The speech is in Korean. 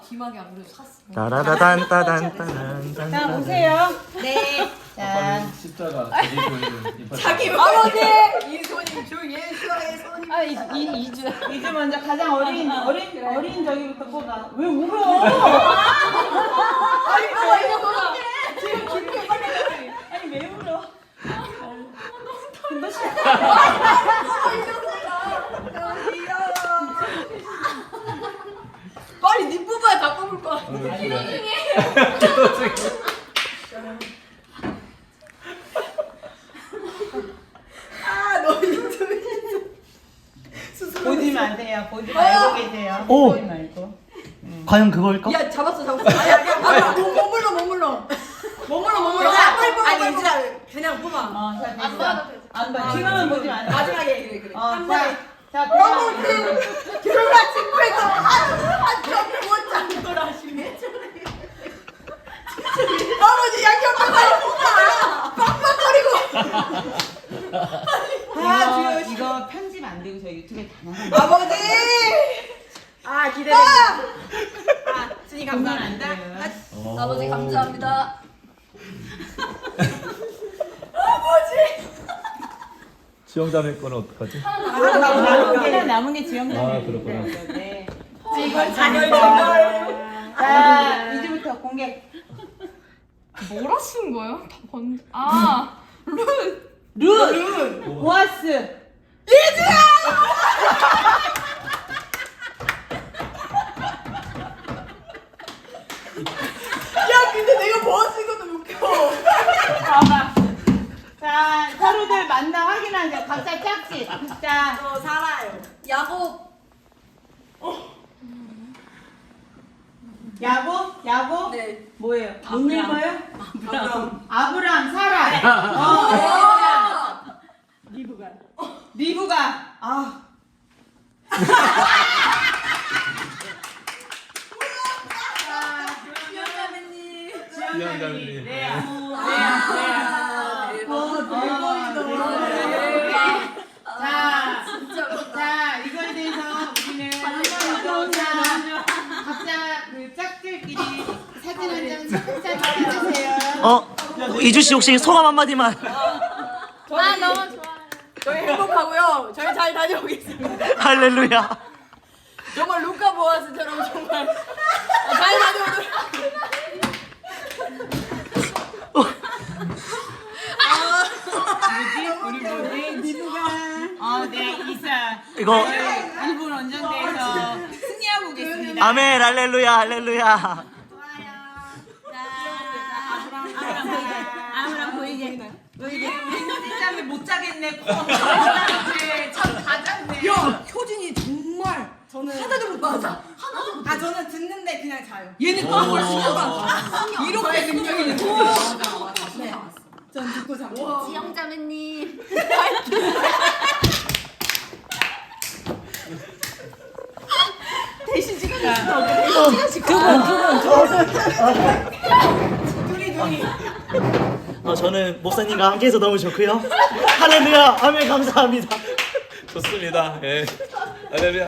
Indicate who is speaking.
Speaker 1: 귀마개 안 그래도 샀어.
Speaker 2: 따라다단따단따단.
Speaker 3: 자 보세요.
Speaker 1: 네.
Speaker 3: 자
Speaker 4: 십자가
Speaker 1: 자기 아버지 이손님 주 예수의 손님.
Speaker 3: 아, 이주 먼저 가장 어린 저기부터 뽑아. 왜 울어?
Speaker 1: 아니 이거 뭐야? 지금 깊게 빨리.
Speaker 3: 아니 왜 울어?
Speaker 1: 빨리 니 뽑아야 다 뽑을 거야. 너
Speaker 3: 보지 마세요. 보지 말고 계세요.
Speaker 2: 오!
Speaker 3: 보지 말고.
Speaker 2: 과연 그걸까?
Speaker 1: 야 잡았어. 아야 머물러. 머물러. 빨리 뽑아. 아니 이진아 그냥 뽑아.
Speaker 3: 자,
Speaker 1: 안 봐도 돼.
Speaker 3: 안 봐. 뒤만 보지 마세요.
Speaker 1: 마지막에 그래. 한 번에.
Speaker 3: 자,
Speaker 1: 너무 그러나 친구에서 한점 못잡는 걸 하시네. 아버지 양념 빨리 뽑아. 빡빡거리고.
Speaker 3: 이거 편집 안 되고 저 유튜브에 다 나가.
Speaker 1: 아버지. 아 기대된다. 아 준이 감사합니다. 아버지 감사합니다.
Speaker 4: 지영자매 거는 어떡하지?
Speaker 3: 남은 게 지영자.
Speaker 4: 아, 그렇구나.
Speaker 3: 네.
Speaker 1: 이걸
Speaker 3: 자, 이제부터 공개.
Speaker 5: 뭐라 쓴 거예요? 다 봤는데. 아,
Speaker 3: 룬. 보아스.
Speaker 1: 야 근데 내가 보았을 것도 웃겨.
Speaker 3: 봐봐. 자, 서로들 만나 확인하세요. 각자 짝짓. 자,
Speaker 1: 저 살아요. 야곱.
Speaker 3: 야곱?
Speaker 1: 네.
Speaker 3: 뭐예요? 못 읽어요?
Speaker 1: 아브람.
Speaker 3: 아브람, 사라. 리브가. 아.
Speaker 1: 지영자매님.
Speaker 4: 지영자매님.
Speaker 3: 네. 자, 이거에 대해서 우리는 한번더 각자 그 짝들끼리 사진 한 장 짝짝 해주세요.
Speaker 2: 이주 씨 혹시 소감 한마디만.
Speaker 5: 아 너무 좋아.
Speaker 1: 저희 행복하고요. 저희 잘 다녀오겠습니다.
Speaker 2: 할렐루야.
Speaker 1: 정말 루카 보아스처럼 정말 잘 다녀오도록.
Speaker 3: 우리 뭐지? 리브가. 네, 이사.
Speaker 2: 이거
Speaker 3: 일본 원정대에서 승리하고 오겠습니다.
Speaker 2: 아멘 할렐루야 할렐루야.
Speaker 3: 아무랑 보이게. 진짜 못 자겠네. 참 가졌네.
Speaker 1: 야 효진이 정말 하나도 못 맞아. 아 저는 듣는데 그냥 자요. 얘는 그걸 신경 이렇게 능력이 있는 거. 맞아. 네. 전 듣고 자.
Speaker 5: 지영자매님.
Speaker 1: 대신 지금 둘이.
Speaker 2: 저는 목사님과 함께해서 너무 좋고요. 할렐루야 아멘 감사합니다.
Speaker 4: 좋습니다. 예. 할렐루야.